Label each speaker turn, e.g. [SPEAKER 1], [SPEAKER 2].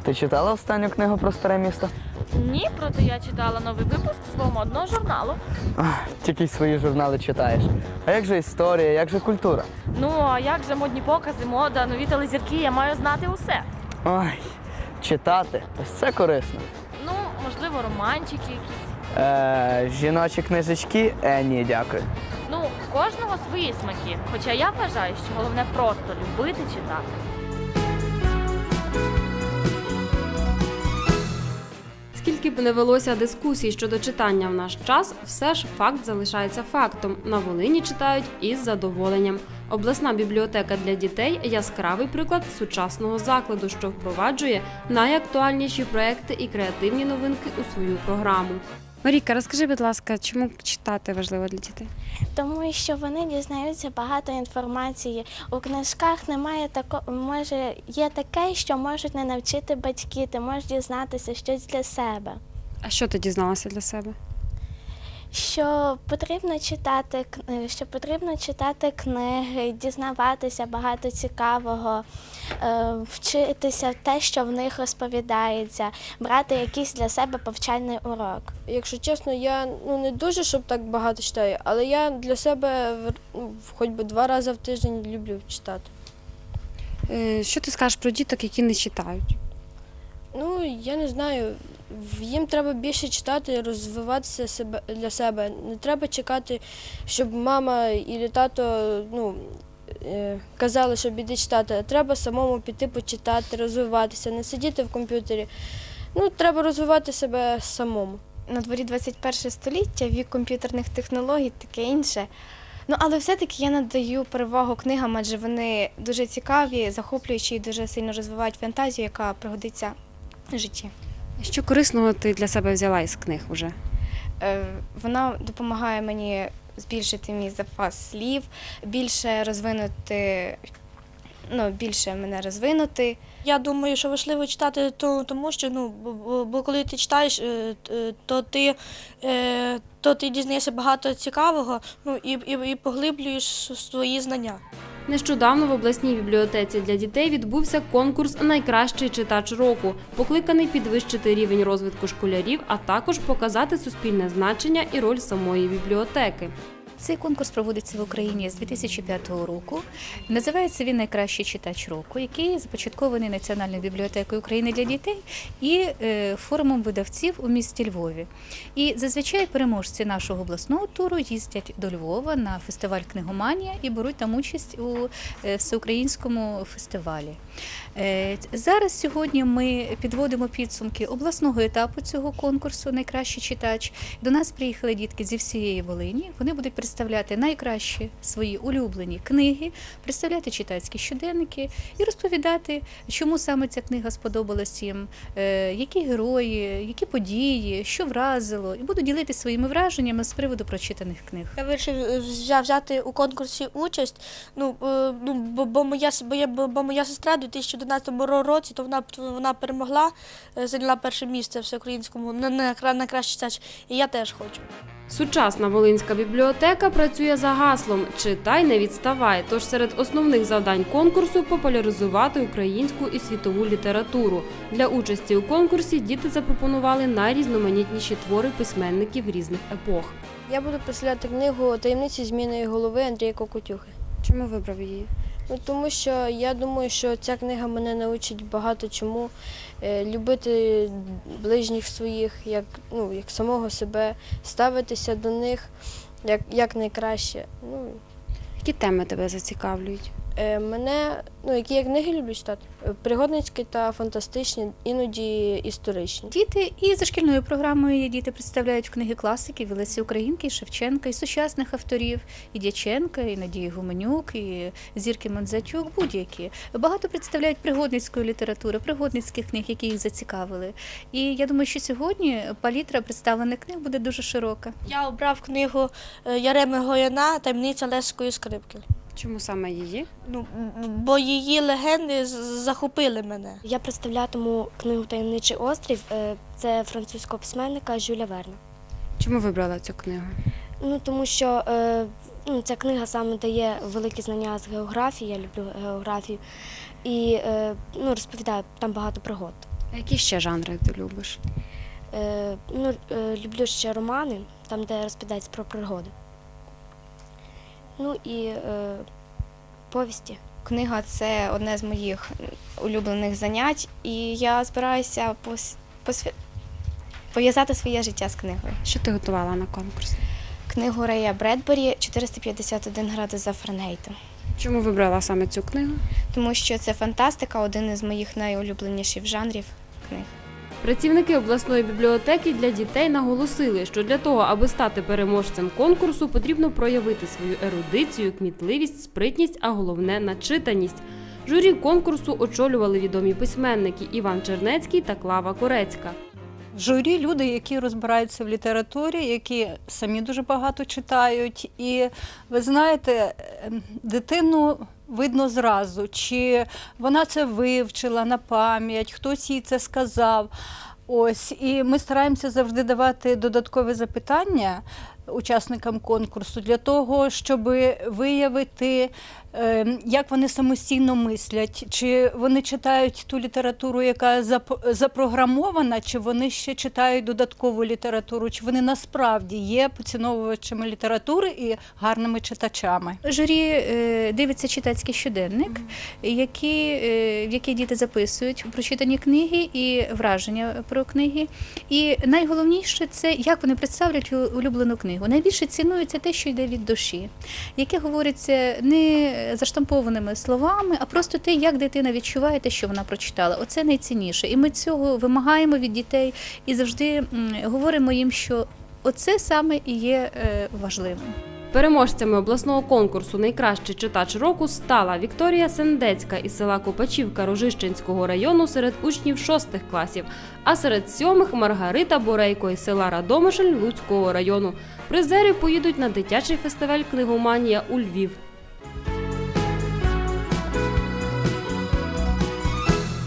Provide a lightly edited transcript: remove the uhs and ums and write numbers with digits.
[SPEAKER 1] Ти читала останню книгу про старе місто?
[SPEAKER 2] Ні, проте я читала новий випуск свого модного журналу.
[SPEAKER 1] Тільки й свої журнали читаєш. А як же історія, як же культура?
[SPEAKER 2] Ну, а як же модні покази, мода, нові телезірки, я маю знати усе.
[SPEAKER 1] Ой, читати, ось це корисно.
[SPEAKER 2] Ну, можливо, романчики якісь.
[SPEAKER 1] Жіночі книжечки? Ні, дякую.
[SPEAKER 2] Ну, в кожного свої смаки. Хоча я вважаю, що головне просто любити читати.
[SPEAKER 3] Скільки б не велося дискусій щодо читання в наш час, все ж факт залишається фактом. На Волині читають із задоволенням. Обласна бібліотека для дітей – яскравий приклад сучасного закладу, що впроваджує найактуальніші проекти і креативні новинки у свою програму. Марійка, розкажи, будь ласка, чому читати важливо для дітей?
[SPEAKER 4] Тому що вони дізнаються багато інформації. У книжках немає такого, є таке, що можуть не навчити батьки, ти можеш дізнатися щось для себе.
[SPEAKER 3] А що ти дізналася для себе?
[SPEAKER 4] Що потрібно читати книги, дізнаватися багато цікавого, вчитися те, що в них розповідається, брати якийсь для себе повчальний урок.
[SPEAKER 5] Якщо чесно, я не дуже, щоб так багато читаю, але я для себе хоч би 2 рази в тиждень люблю читати.
[SPEAKER 3] Що ти скажеш про діток, які не читають?
[SPEAKER 5] Я не знаю, їм треба більше читати, розвиватися для себе. Не треба чекати, щоб мама і тато казали, щоб іди читати, а треба самому піти почитати, розвиватися, не сидіти в комп'ютері. Треба розвивати себе самому.
[SPEAKER 6] На дворі 21 століття, вік комп'ютерних технологій, таке інше. Але все-таки я надаю перевагу книгам, адже вони дуже цікаві, захоплюючі і дуже сильно розвивають фантазію, яка пригодиться в житті.
[SPEAKER 3] Що корисного ти для себе взяла із книг уже?
[SPEAKER 6] Вона допомагає мені збільшити мій запас слів, більше мене розвинути.
[SPEAKER 7] Я думаю, що важливо читати, тому що бо коли ти читаєш, то ти дізнаєшся багато цікавого, і поглиблюєш свої знання.
[SPEAKER 3] Нещодавно в обласній бібліотеці для дітей відбувся конкурс «Найкращий читач року», покликаний підвищити рівень розвитку школярів, а також показати суспільне значення і роль самої бібліотеки.
[SPEAKER 8] Цей конкурс проводиться в Україні з 2005 року. Називається він «Найкращий читач року», який започаткований Національною бібліотекою України для дітей і форумом видавців у місті Львові. І зазвичай переможці нашого обласного туру їздять до Львова на фестиваль «Книгоманія» і беруть там участь у всеукраїнському фестивалі. Зараз сьогодні ми підводимо підсумки обласного етапу цього конкурсу «Найкращий читач». До нас приїхали дітки зі всієї Волині. Вони будуть представляти найкращі свої улюблені книги, представляти читацькі щоденники і розповідати, чому саме ця книга сподобалась їм, які герої, які події, що вразило. І буду ділитися своїми враженнями з приводу прочитаних книг.
[SPEAKER 7] Я вирішив взяти у конкурсі участь, бо моя сестра у 2011 році, то вона перемогла, зайняла перше місце всеукраїнському на кращий читач, і я теж хочу.
[SPEAKER 3] Сучасна Волинська бібліотека працює за гаслом «Читай, не відставай», тож серед основних завдань конкурсу – популяризувати українську і світову літературу. Для участі у конкурсі діти запропонували найрізноманітніші твори письменників різних епох.
[SPEAKER 5] Я буду представляти книгу «Таємниці зміїної голови» Андрія Кокотюхи.
[SPEAKER 3] Чому вибрав її?
[SPEAKER 5] Тому що я думаю, що ця книга мене навчить багато чому, любити ближніх своїх, як самого себе, ставитися до них як найкраще.
[SPEAKER 3] Які теми тебе зацікавлюють?
[SPEAKER 5] Мене, які я книги люблю читати, пригодницькі та фантастичні, іноді історичні.
[SPEAKER 8] Діти і за шкільною програмою діти представляють книги класиків, і Лесі Українки, і Шевченка, і сучасних авторів, і Дяченка, і Надії Гуменюк, і Зірки Мандзатюк, будь-які. Багато представляють пригодницької літератури, пригодницьких книг, які їх зацікавили. І я думаю, що сьогодні палітра представлених книг буде дуже широка.
[SPEAKER 7] Я обрав книгу Яреми Гояна «Таємниця Леської скрипки».
[SPEAKER 3] Чому саме її?
[SPEAKER 7] Бо її легенди захопили мене.
[SPEAKER 4] Я представлятиму книгу «Таємничий острів». Це французького письменника Жюля Верна.
[SPEAKER 3] Чому вибрала цю книгу?
[SPEAKER 4] Тому що ця книга саме дає великі знання з географії, я люблю географію, і розповідає там багато пригод.
[SPEAKER 3] А які ще жанри ти любиш?
[SPEAKER 9] Люблю ще романи, там, де розповідається про пригоди. Ну і повісті.
[SPEAKER 6] Книга – це одне з моїх улюблених занять, і я збираюся пов'язати своє життя з книгою.
[SPEAKER 3] Що ти готувала на конкурс?
[SPEAKER 6] Книгу Рея Бредбері «451 градус за Фаренгейтом».
[SPEAKER 3] Чому вибрала саме цю книгу?
[SPEAKER 6] Тому що це фантастика, один із моїх найулюбленіших жанрів книг.
[SPEAKER 3] Працівники обласної бібліотеки для дітей наголосили, що для того, аби стати переможцем конкурсу, потрібно проявити свою ерудицію, кмітливість, спритність, а головне – начитаність. Журі конкурсу очолювали відомі письменники Іван Чернецький та Клава Корецька.
[SPEAKER 10] В журі люди, які розбираються в літературі, які самі дуже багато читають. І ви знаєте, дитину видно зразу, чи вона це вивчила на пам'ять, хтось їй це сказав. Ось, і ми стараємося завжди давати додаткові запитання учасникам конкурсу для того, щоб виявити, як вони самостійно мислять, чи вони читають ту літературу, яка запрограмована, чи вони ще читають додаткову літературу, чи вони насправді є поціновувачами літератури і гарними читачами.
[SPEAKER 8] Журі дивиться читацький щоденник, в який діти записують прочитані книги і враження про книги. І найголовніше – це як вони представлять улюблену книгу. Найбільше цінується те, що йде від душі, яке говориться не заштампованими словами, а просто те, як дитина відчуває те, що вона прочитала. Оце найцінніше. І ми цього вимагаємо від дітей і завжди говоримо їм, що оце саме і є важливим.
[SPEAKER 3] Переможцями обласного конкурсу «Найкращий читач року» стала Вікторія Сендецька із села Копачівка Рожищенського району серед учнів 6 класів, а серед 7-х – Маргарита Борейко із села Радомишль Луцького району. Призери поїдуть на дитячий фестиваль «Книгоманія» у Львів.